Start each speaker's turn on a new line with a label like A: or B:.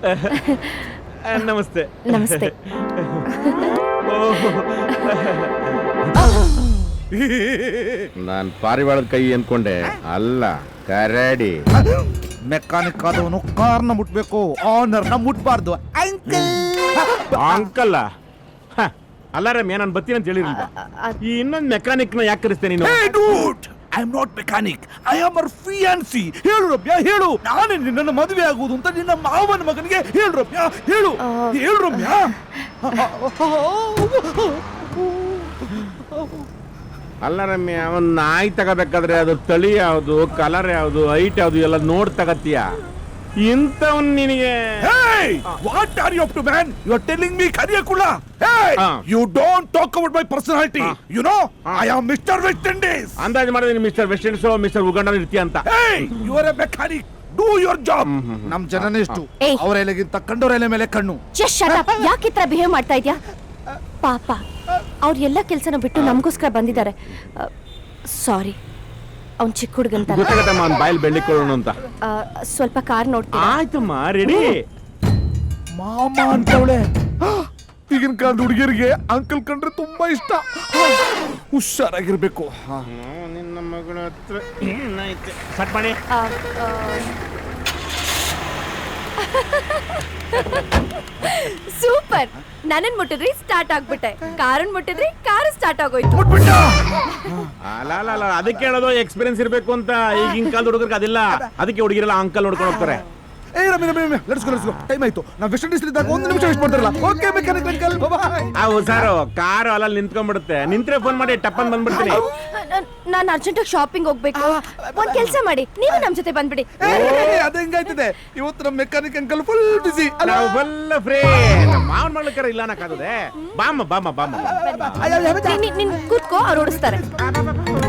A: ನಮಸ್ತೆ.
B: ನಮಸ್ತೆ.
C: ನಾನ್ ಪಾರಿವಾಳದ ಕೈ ಅನ್ಕೊಂಡೆ, ಅಲ್ಲ ಕರಡಿ.
D: ಮೆಕ್ಯಾನಿಕ್ ಆದವನು ಕಾರ್ನ ಮುಟ್ಬೇಕು, ಆನರ್ನ ಮುಟ್ಬಾರ್ದು.
A: ಅಂಕಲ್ ಅಲ್ಲ ರಮ್ಯ, ನಾನು ಬರ್ತೀನಿ ಅಂತ ಹೇಳಿರಲಿಲ್ಲ. ಈ ಇನ್ನೊಂದು ಮೆಕ್ಯಾನಿಕ್ ನ ಯಾಕೆ ಕರೆಸ್ತೇನೆ ನೀನು?
D: I am not mechanic, I am ಅವರ್ ಫಿಯಾನ್ಸಿ. ಹೇಳು ರಮ್ಯಾ, ಹೇಳು. ನಾನೇ ನಿನ್ನನ್ನು ಮದುವೆ ಆಗುವುದು ಅಂತ ನಿನ್ನ ಮಾವನ ಮಗನಿಗೆ ಹೇಳು ರಮ್ಯಾ, ಹೇಳು. ಹೇಳು ರಮ್ಯಾ.
C: ಅಲ್ಲ ರಮ್ಯ, ಅವನ್ ನಾಯಿ ತಗೋಬೇಕಾದ್ರೆ ಅದು ತಳಿ ಯಾವುದು, ಕಲರ್ ಯಾವುದು, ಹೈಟ್ ಯಾವುದು ಎಲ್ಲ ನೋಡ್ ತಗತ್ತೀಯ. ಇಂಥವನ್ ನಿನಗೆ
D: what are you up to man? You are telling me ಕರಿಯಕುಳ. You don't talk about my personality. You know I am mister West Indies.
C: ಅಂದಾಜು ಮಾಡಿದ್ರೆ mister West Indies, mister Uganda ಇರ್ತೀಯ ಅಂತ.
D: You are a mechanic, do your job. ನಮ್ ಜನನೇ ಇಷ್ಟು, ಅವರ ಎಲೆಗಿಂತ ಕಂಡೋರ ಎಲೆ ಮೇಲೆ ಕಣ್ಣು.
B: Just shut up. ಯಾಕೆ ಈ ತರ ಬಿಹೇವ್ ಮಾಡ್ತಾ ಇದ್ಯಾ? ಪಾಪ ಅವ್ರ ಎಲ್ಲ ಕೆಲಸನ ಬಿಟ್ಟು ನಮಗೋಸ್ಕರ ಬಂದಿದ್ದಾರೆ. ಸಾರಿ, ಅವ್ನ್ ಚಿಕ್ಕ ಹುಡುಗಂತ.
C: ಗೊತ್ತಾಗತ್ತಮ್ಮ, ಅವ್ನ ಬಾಯಲ್ಲಿ ಬೆಳ್ಳಿಕೊಳ್ಳೋಣ ಅಂತ.
B: ಸ್ವಲ್ಪ ಕಾರ್ ನೋಡ್ತೀನಿ.
A: ಆಯ್ತಮ್ಮ, ರೆಡಿ.
D: ಮಾಮ ಅಂತವಳೆ. ಈಗಿನ ಕಾಲದ ಹುಡುಗಿಯರಿಗೆ ಅಂಕಲ್ ಕಂಡ್ರೆ ತುಂಬಾ ಇಷ್ಟ. ಹುಷಾರಾಗಿರ್ಬೇಕು.
C: ನಿನ್ನ ಮಗಳ ಹತ್ರ
A: ಸಟ್ ಮಾಡಿ.
B: ಸೂಪರ್. ನನ್ನನ್ ಮುಟ್ಟಿದ್ರಿ ಸ್ಟಾರ್ಟ್ ಆಗ್ಬಿಟ್ಟೆ, ಕಾರನ್ ಮುಟ್ಟಿದ್ರಿ ಕಾರ್ ಸ್ಟಾರ್ಟ್ ಆಗೋಯ್ತು.
C: ಅಲ್ಲ ಅದಕ್ಕೆ ಹೇಳೋದು ಎಕ್ಸ್ಪೀರಿಯನ್ಸ್ ಇರ್ಬೇಕು ಅಂತ. ಈಗಿನ ಕಾಲದ ಹುಡುಗರಿಗೆ ಅದಿಲ್ಲ, ಅದಕ್ಕೆ ಹುಡುಗಿರೆಲ್ಲ ಅಂಕಲ್ ನೋಡ್ಕೊಂಡು ಹೋಗ್ತಾರೆ.
D: Let's go. ಟೈಮ್ ಆಯ್ತು. ನಾವು ವೆಸ್ಟ್ ಇಂಡೀಸ್ ಇದ್ದಾಗ 1 ನಿಮಿಷ ವೇಸ್ಟ್ ಮಾಡ್ತಾರಲ್ಲ. Okay mechanic uncle, bye.
C: ಹುಷಾರು, ಕಾರು ಅಲ್ಲಲ್ಲಿ ನಿಂತ್ಕೊಂಡ್ಬಿಡುತ್ತೆ. ನಿಂತ್ರೆ ಫೋನ್ ಮಾಡಿ ಟಪ್ಪನ್ ಬಂದ್ಬಿಡ್ತೀನಿ.
B: ನಾನು ಅರ್ಜೆಂಟ್ ಆಗಿ ಶಾಪಿಂಗ್ ಹೋಗ್ಬೇಕು. ಒಂದ್ ಕೆಲಸ ಮಾಡಿ, ನೀವು ನಮ್ ಜೊತೆ ಬಂದ್ಬಿಡಿ.
D: ಅದ ಹೆಂಗಾಯ್ತದೆ ಇವತ್ತು ನಮ್ಮ ಮೆಕ್ಯಾನಿಕ್ ಅಂಕಲ್ ಫುಲ್ ಬಿಸಿ.
C: ನಾವು ಫುಲ್ ಫ್ರೀ. ಮಾವನ ಮಾಡ್ಲಿಕ್ಕಾರ ಇಲ್ಲ ಅನ್ನಕ್ಕಾಗದೆ. ಬಾಮ್ಮ.
B: ನೀನ್ ಕೂತ್ಕೋ, ಅವ್ರು ಓಡಿಸ್ತಾರೆ.